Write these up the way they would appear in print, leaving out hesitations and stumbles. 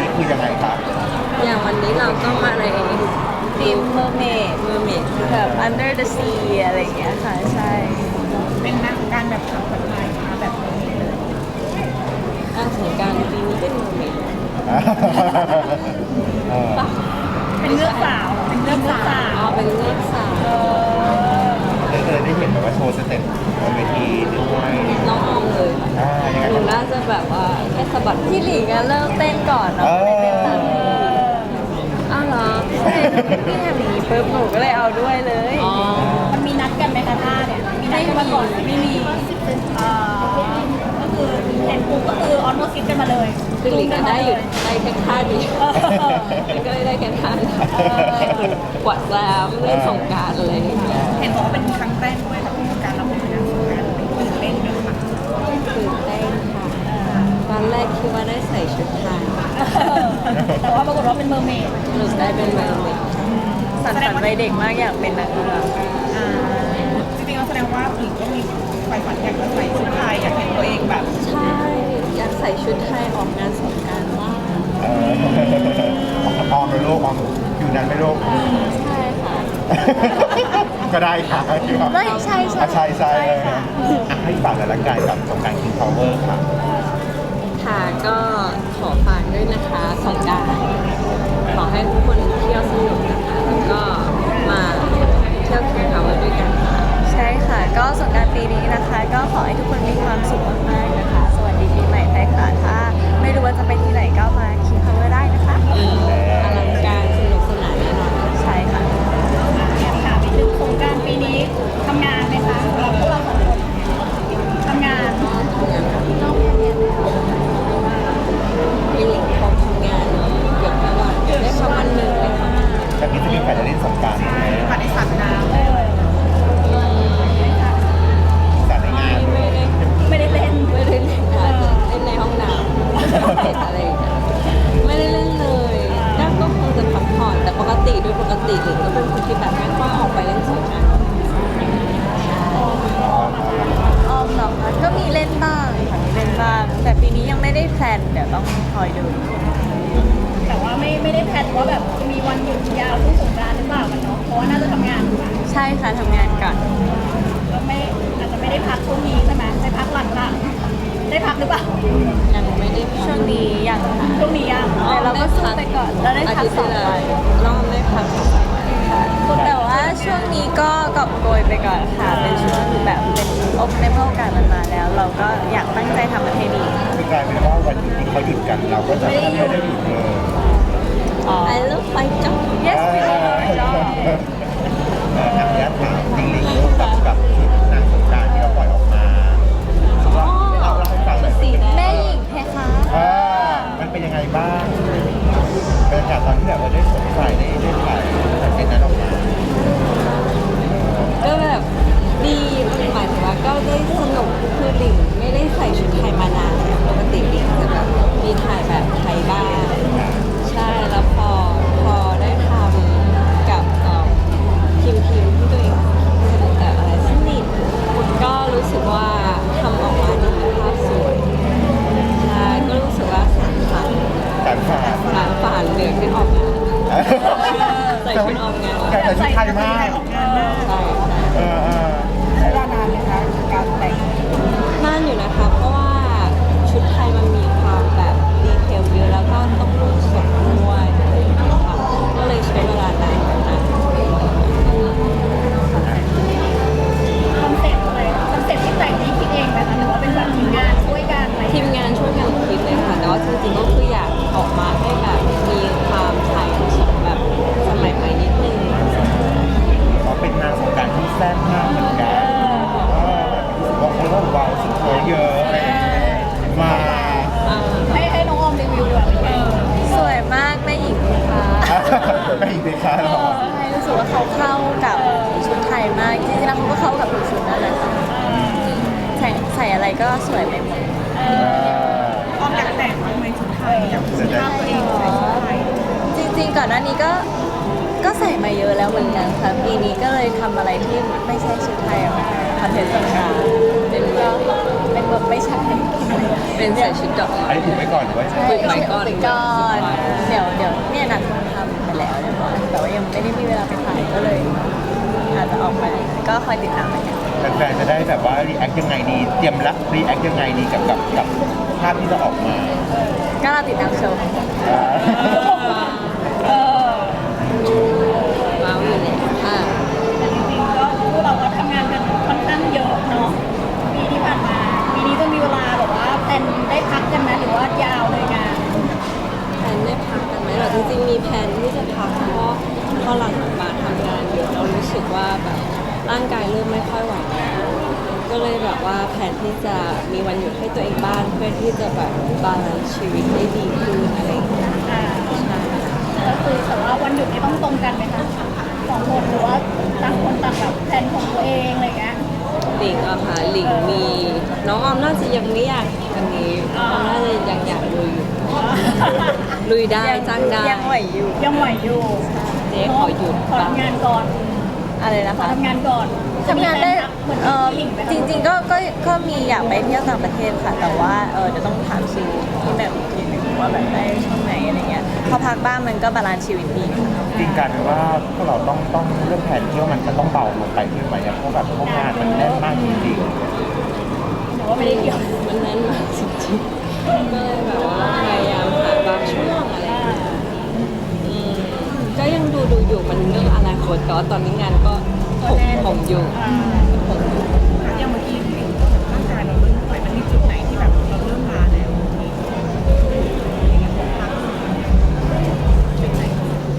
นี้คือยังไงครับอย่างวันนี้เราก็มาในทีมเมอร์เมดเมอร์เมดแบบ under the sea อะไรอย่างเงี้ยค่ะใช่เป็นนักการแบบขับแบบไทยมาแบบนี้เลยงานสงกรานต์ปีนี้เป็นเมอร์เมดเออเป็นเลือกสาวเป็นเลือกสาวอ๋อเป็นเลือกสาวเลยได้เห็นแบบว่าโชว์สเต็ปบนเวทีด้วยน้องออมเลยยังไงหนูบ้างน่าจะแบบว่าแค่สะบัดพี่หลิงอะเริ่มเต้นก่อนเนาะไม่ได้เต้นตามพี่อ้าวเหรอใช่พี่ทำอย่างนี้ปุ๊บหนูก็เลยเอาด้วยเลยอ๋อมันมีนัดกันไหมคะท่าเนี่ยมีนัดกันมาก่อนไม่มีก็คือเห็นปุ๊บก็คือออนโมซิสกันมาเลยคือหลิงอะได้อยู่ได้แค่ท่าเดียวมันก็เลยได้แค่ท่าเดียวกวาดแล้เล่นสงกรานต์อะไรอย่างเงี้ยเห็นบอกว่าเป็นครั้งแรกด้วยกับการรับเป็นนักสงการตื่นเต้นไหมคะตื่นเต้นค่ะตอนแรกคิดว่าได้ใส่ชุดไทยแต่ว่าปรากฏว่าเป็นเมอร์เมดหนูได้เป็นเมอร์เมดสันฝันวัยเด็กมากอยากเป็นนักเรือจริงๆแล้วแสดงว่าหญิงก็มีไฟฝันอยากจะใส่ชุดไทยอยากเห็นตัวเองแบบใช่อยากใส่ชุดไทยออกงานสงกรานต์มากออมไปโลกออมอยู่นั้นไม่โลกใช่ค่ะก็ได้ค่ะไม่ใช่ใช่ใช่ให้ฝากหน่อยละกันกับสงกรานต์ King Power ค่ะค่ะก็ขอฝากด้วยนะคะสงกรานต์ขอให้ทุกคนเที่ยวสนุกนะคะแล้วก็มาเที่ยวคิงพาวเวอร์ด้วยกันค่ะใช่ค่ะ ก็สงกรานต์ปีนี้นะคะ ก็ขอให้ทุกคนมีความสุขมากๆนะคะ สวัสดีปีใหม่ไทยค่ะถ้าไม่รู้ว่าจะไปที่ไหนก็มาคิงพาวเวอร์ได้นะคะอลังการสนุกสนานแน่นอนใช่ค่ะอยากถามนิดนึงสงกรานต์ปีนี้ทำงานไหมคะสำหรับพวกเราสองคนทำงานพี่หลิงเขาทำงานเกือบทั้งวันได้แค่วันหนึ่งเลยค่ะแบบนี้จะมีใครจะเล่นสงกรานต์ไหมผ่านในสัตว์น้ำสารในงานไม่ได้เล่นไม่ได้เล่นค่ะเล่นในห้องน้ำเสร็จอะไรอย่างเงี้ยไม่ได้เล่นเลยก็คงจะพักผ่อนแต่ปกติโดยปกติหลิงก็เป็นคนที่แบบไม่ค่อยออกไปเล่นสงกรานต์ออมเหรอคะก็มีเล่นบ้างค่ะมีเล่นบ้าง แต่ปีนี้ยังไม่ได้แพลนเดี๋ยวต้องคอยดูแต่ว่าไม่ได้แพลนว่าแบบมีวันหยุดยาวช่วงสงกรานต์หรือเปล่ากันเนาะเพราะว่าน่าจะทำงานอยู่นะใช่ค่ะทำงานก่อนก็ไม่อาจจะไม่ได้พักช่วงนี้ใช่ไหมได้พักหลังๆได้พักหรือเปล่ายังไม่ได้พัช่กวงนี้ยังค่ะช่วงนี้ยังแต่เราก็สู้ไปก่อนเราได้พักสองวันรอบได้พัก2 วันค่ะแต่ว่าช่วงนี้ก็กอบโกยไปก่อนค่ะ เป็นช่วงแบบเป็นในเมื่อโอกาสมันมาแล้ว เราก็อยากตั้งใจทำมันให้ดีคือกลายเป็นว่าวันหยุดที่เขาหยุดกันเราก็จะไม่ได้หยุดเลย I love my job yes we love my job นักยัดถามจริงๆกับชุดนางสงกรานต์ที่เราปล่อยออกมาเราให้ฟังหน่อยสีแดแม่งหญิงเพคะมันเป็นยังไงบ้างบรรยากาศตอนที่แบบได้สวมใส่ได้ถ่ายเป็นนั้นออกมาก็แบบดีหมายถึงว่าก็ได้สนุกคือหลิงไม่ได้ใส่ชุดไทยมานานแล้วปกติหลิงจะแบบมีถ่ายแบบไทยบ้างใช่แล้วพอได้ทำกับทีมที่ตัวเองแต่อะไรสนิทก็รู้สึกว่าทำออกมาดีภาพสวยใช่ก็รู้สึกว่าสานฝันการผ่านเหลือแค่ออกงานใส่ชุดออกงานแต่ชุดไทยมากใช่ใช้เวลานานไหมคะการแต่งนานอยู่นะคะเพราะว่าชุดไทยมันมีความแบบดีเทลเยอะแล้วก็ต้องลงสดด้วยอะไรอย่างเงี้ยค่ะก็เลยใช้เวลานานอยู่นะคอนเซ็ปต์อะไรคอนเซ็ปต์ที่แต่งนี้คิดเองไหมคะหรือว่าเป็นแบบทีมงานช่วยกันอะไรทีมงานช่วยกันคิดเลยค่ะแต่ว่าจริงๆก็คืออยากออกมาให้แบบมีความไทยผสมแบบสมัยใหม่นิดนึงเขาเป็นนางสงกรานต์ที่แซ่บมากเหมือนกันบอกเลยว่าว้าวสุดโถเยอะมาให้น้องออมรีวิวดีกว่าเป็นไงสวยมากแม่หญิงเพคะไม่อีกเลยค่ะหรอใช่รู้สึกว่าเขาเข้ากับชุดไทยมากจริงๆแล้วเขาก็เข้ากับทุกชุดนั่นแหละค่ะใส่อะไรก็สวยไปหมดออมอยากแต่งบ้างไหมชุดไทยอยากสุภาพตัวเองใส่ชุดไทยจริงๆก่อนหน้านี้ก็ใส่มาเยอะแล้วเหมือนกันค่ะปีนี้ก็เลยทำอะไรที่ไม่ใช่ชุดไทยออกมาคอนเทนต์สงกรานต์เป็นแบบไม่ใช่เป็นใส่ชุดดอกไม้อันนี้ถูกไว้ก่อนหรือว่าใช่ฝึกไว้ก่อนฝึกก่อนยังไม่ได้มีเวลาไปถ่ายก็เลย อาจจะออกมาก็คอยติดตามกันแฟนๆจะได้แบบว่ารีแอคยังไงดีเตรียมรับรีแอคยังไงดีกับภาพที่จะออกมาก็เราติดตามชมเออว้าวอยู่เนี่ยค่ะแต่จริงๆก็พวกเราก็ทำงานกันค่อนข้างเยอะเนาะปีที่ผ่านมาปีนี้จะมีเวลาแบบว่าแพลนได้พักกันไหมหรือว่ายาวเลยงานแพลนได้พักกันไหมเหรอจริงๆมีแพลนที่จะพักเพราะพอหลังมาทำงานเยอะเรารู้สึกว่าแบบร่างกายเริ่มไม่ค่อยไหวแล้วก็เลยแบบว่าแผนที่จะมีวันหยุดให้ตัวเองบ้างเพื่อที่จะแบบบาลานซ์ชีวิตได้ดีขึ้นอะไรอย่างเงี้ยอ่าใช่ก็คือแต่ว่าวันหยุดนี่ต้องตรงกันไหมคะสองคนหรือว่าต่างคนต่างแบบแพลนของตัวเองอะไรอย่างเงี้ยหลิงอะค่ะหลิงมีน้องออมน่าจะยังไม่อยากอันนี้น้องออมน่าจะยังอยากลุยอยู่ลุยได้จ้างได้ยังไหวอยู่ยังไหวอยู่เจ๊ขอหยุดขอบ้างทำงานก่อนอะไรนะขอคะทำงานก่อนทำงานได้เหมือนที่หลิงไหมคะจริงๆก็มีอยากไปเที่ยวต่างประเทศค่ะ แต่ว่าเดี๋ยวต้องถามคิวที่แบบอีกทีหนึงว่าแบบได้ช่วงไหนอะไรเงี้ยพอพักบ้างมันก็บาลานซ์ชีวิตดีค่ะจริงการว่าพวกเราต้องเรื่องแผนเที่ยวมันต้องเบาลงไปขึ้นไปเนี่ยเพราะแบบพวกงานมันแน่นมากจริงหรือว่าไม่ได้เกี่ยวมันแน่นมากจริงๆก็เลยแบบว่าพยายามหาบางช่วงอะไรอย่างเงี้ยก็ยังดูอยู่มันเรื่องอนาคตแต่ว่าตอนนี้งานก็ผมอยู่อย่างเมื่อกี้ที่ร่างกายเราเริ่มป่วยมันมีจุดไหนที่แบบเราเริ่มล้าแล้วจุดไหน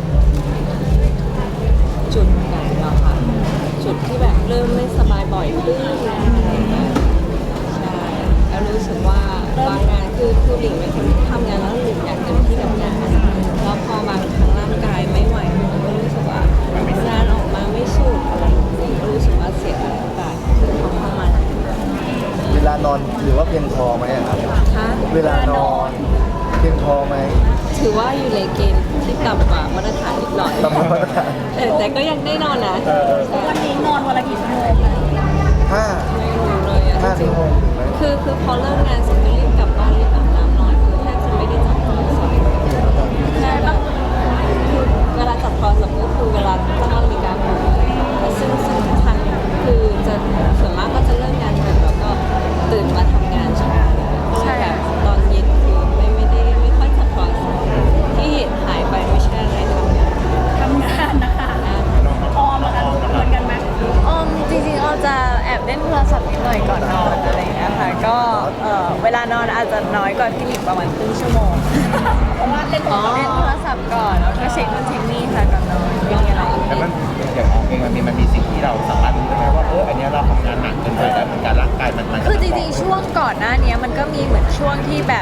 จุดไหนแล้วค่ะ จุดที่แบบเริ่มไม่สบายบ่อยขึ้นอะไรอย่างเงี้ยใช่แล้วรู้สึกว่าบางงานคือหลิงเป็นคนที่ทำงานแล้วหลิงอยากเต็มที่กับงานแล้วพอบางครั้งร่างกายไม่ไหวมันก็รู้สึกว่างานออกมาไม่สุดอะไรอย่างเงี้ยก็รู้สึกว่าเสียโอกาสที่เขาเข้ามาเวลานอนหรือว่าเพียงพอไหมอะครับค่ะเวลานอนเพียงพอไหมถือว่าอยู่ในเกณฑ์ที่ต่ำกว่ามาตรฐานนิดหน่อยตามมาตรฐานแต่ก็ยังได้นอนนะวันนี้นอนวันละกี่ชั่วโมงคะห้าไม่รู้เลยอะ 5 ชั่วโมงถึงไหมคือพอเลิกงานเสร็จก็รีบกลับบ้านรีบอาบน้ำนอนคือแทบจะไม่ได้จับโทรศัพท์ใช่แบบคือเวลาจับโทรศัพท์ก็คือเวลาตั้งนาฬิกาปลุกซึ่งทุกครั้งคือจะส่วนมากก็จะเลิกงานดึกแล้วก็ตื่นมาทำงานเช้าก็เลยแบบตอนเย็นคือไม่ค่อยจับโทรศัพท์ที่เห็นหายไปไม่ใช่อะไรทำงานทำงานนะคะออมนะคะเหมือนกันไหมจริงๆเราจะแอบเล่นโทรศัพท์นิดหน่อยก่อนนอนอะไรอย่างเงี้ยค่ะก็เวลานอนอาจจะน้อยกว่าพี่หลิงประมาณครึ่งชั่วโมงเพราะว่าเล่นโทรศัพท์เล่นโทรศัพท์ก่อนแล้วก็เช็คนู่นเช็คนี่ค่ะก่อนนอนไม่มีอะไรๆแล้วมันอย่างเองมันมีสิ่งที่เราสามารถรู้ได้ไหมว่าอันเนี้ยเราทำงานหนักเกินไปแล้วมันการร่างกายมันคือจริงๆช่วงก่อนหน้านี้มันก็มีเหมือนช่วงที่แบบ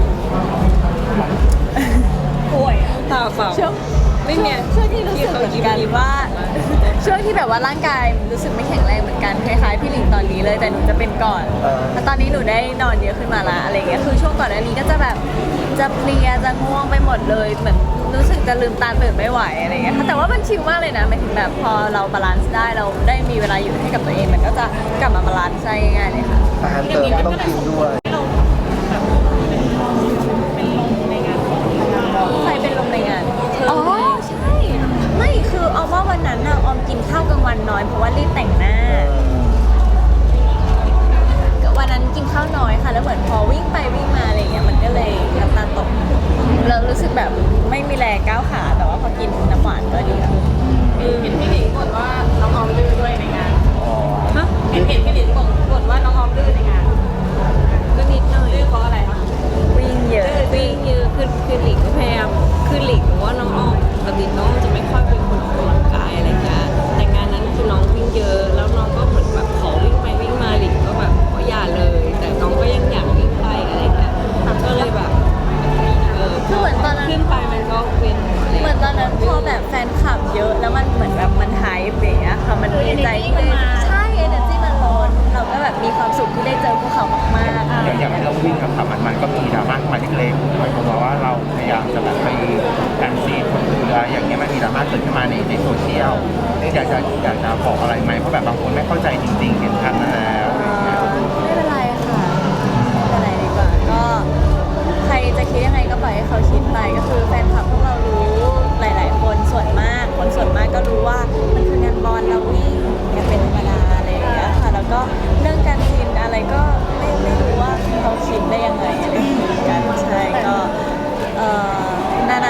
ป่วยอะเปล่าเปล่าช่วงไม่มีช่วงที่รู้สึกเหมือนกันว่า ช่วงที่แบบว่าร่างกายรู้สึกไม่แข็งแรงเหมือนกันคล้ายๆพี่หลิงตอนนี้เลยแต่หนูจะเป็นก่อนแต่ตอนนี้หนูได้นอนเยอะขึ้นมาละอะไรเงี้ยคือช่วงก่อนหน้านี้ก็จะแบบจะเพลียจะง่วงไปหมดเลยเหมือนรู้สึกจะลืมตาตื่นไม่ไหวอะไรเงี้ยค่ะแต่ว่ามันชิลมากเลยนะหมายถึงแบบพอเราบาลานซ์ได้เราได้มีเวลาอยู่ให้กับตัวเองมันก็จะกลับมาบาลานซ์ได้ง่ายๆเลยค่ะอาหารเสริมก็ต้องกินด้วยใครเป็นลมในงานอ๋อใช่ไม่คือออมว่าวันนั้นน่ะออมกินข้าวกลางวันน้อยเพราะว่ารีบแต่งหน้า วันนั้นกินข้าวน้อยค่ะแล้วเหมือนพอวิ่งไปวิ่งมาอะไรเงี้ยมันก็เลยน้ำตาลตกเรารู้สึกแบบไม่มีแรงก้าวขาแต่ว่าพอกินน้ำหวานก็ดีค่ะเห็นพี่หลิงบ่นว่าน้องออมดื้อด้วยในงานฮะเห็นพี่หลิงบ่นว่าน้องออมดื้อในงานก็นิดหน่อยดื้อเพราะอะไรคะวิ่งเยอะวิ่งเยอะคือหลิงก็พยายามคือหลิงรู้ว่าน้องอ้อมปกติน้องจะไม่ค่อยเป็นคนออกกำลังกายอะไรเงี้ยแต่งานนั้นคือน้องวิ่งเยอะแล้วน้องก็เหมือนแบบขอวิ่งไปวิ่งมาหลิงก็แบบอย่าเลย แต่น้องก็ยังอยากวิ่งไปอะไรเงี้ยก็เลยแบบคือเหมือนตอนนั้นขึ้นไปมันก็เว้นอะไรเหมือนตอนนั้นพอแบบแฟนคลับเยอะแล้วมันเหมือนแบบมันไฮป์อย่างเงี้ยค่ะมันดีใจที่ได้ใช่ energy มันล้นเราก็แบบมีความสุขที่ได้เจอพวกเขามากๆอย่างที่เราวิ่งกับมันก็มีดราม่าขึ้นมาเล็กๆหมายความว่าเราพยายามจะแบบไปการซีดคนเรืออย่างเงี้ยมันมีดราม่าเกิดขึ้นมาในโซเชียลอยากจะบอกอะไรไหมเพราะแบบบางคนไม่เข้าใจจริงๆเห็นทันมาแล้วไม่เป็นไรค่ะไม่เป็นไรดีกว่าก็ใครจะคิดยังไงก็ปล่อยให้เขาคิดไปก็คือแฟนคลับพวกเรารู้หลาย ๆ คนส่วนมากคนส่วน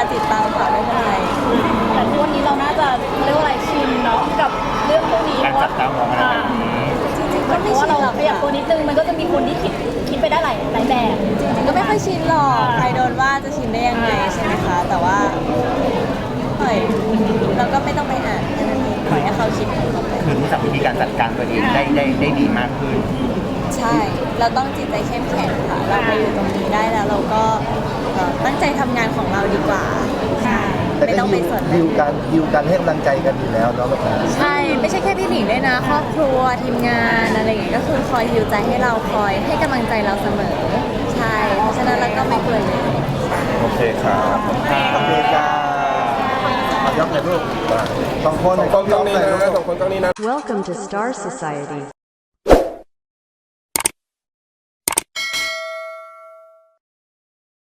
ติดตามค่ะไม่เป็นไรแต่ทุกวันนี้เราน่าจะเรียกว่าอะไรชินเนาะกับเรื่องพวกนี้การจับตามองอะไรแบบนี้จริงๆก็เพไม่ราะว่าชินเราหรอกขยับตัวนิดนึงมันก็จะมีคนที่คิดไปได้หลายแบบจริงๆก็ไม่ค่อยชินหรอกใครโดนว่าจะชินได้ยังไงใช่ไหมคะแต่ว่าเฮ้ยเราก็ไม่ต้องไปอ่านแค่นั้นเองปล่อยให้เขาคิดของเขาไปคือรู้จักวิธีการจัดการตัวเองได้ดีมากขึ้นใช่ เราต้องจิตใจเข้มแข็งค่ะ เรามาอยู่ตรงนี้ได้แล้วเราก็ตั้งใจทำงานของเราดีกว่า ใช่แต่ไม่ก็ต้องไปสนดิวกันให้กำลังใจกันอยู่แล้วเนาะแบบนั้นใช่ ไม่ใช่แค่พี่หนิงด้วยนะ ครอบครัวทีมงานอะไรอย่างเงี้ยก็คือคอยฮิวใจให้เราคอยให้กำลังใจเราเสมอ ใช่ เพราะฉะนั้นเราก็ไม่ควรเลยโอเคครับโอเคครับเอายกเลยลูกสองคนสองคนกล้องนี้นะสองคนกล้องนี้นะ Welcome to Star Society.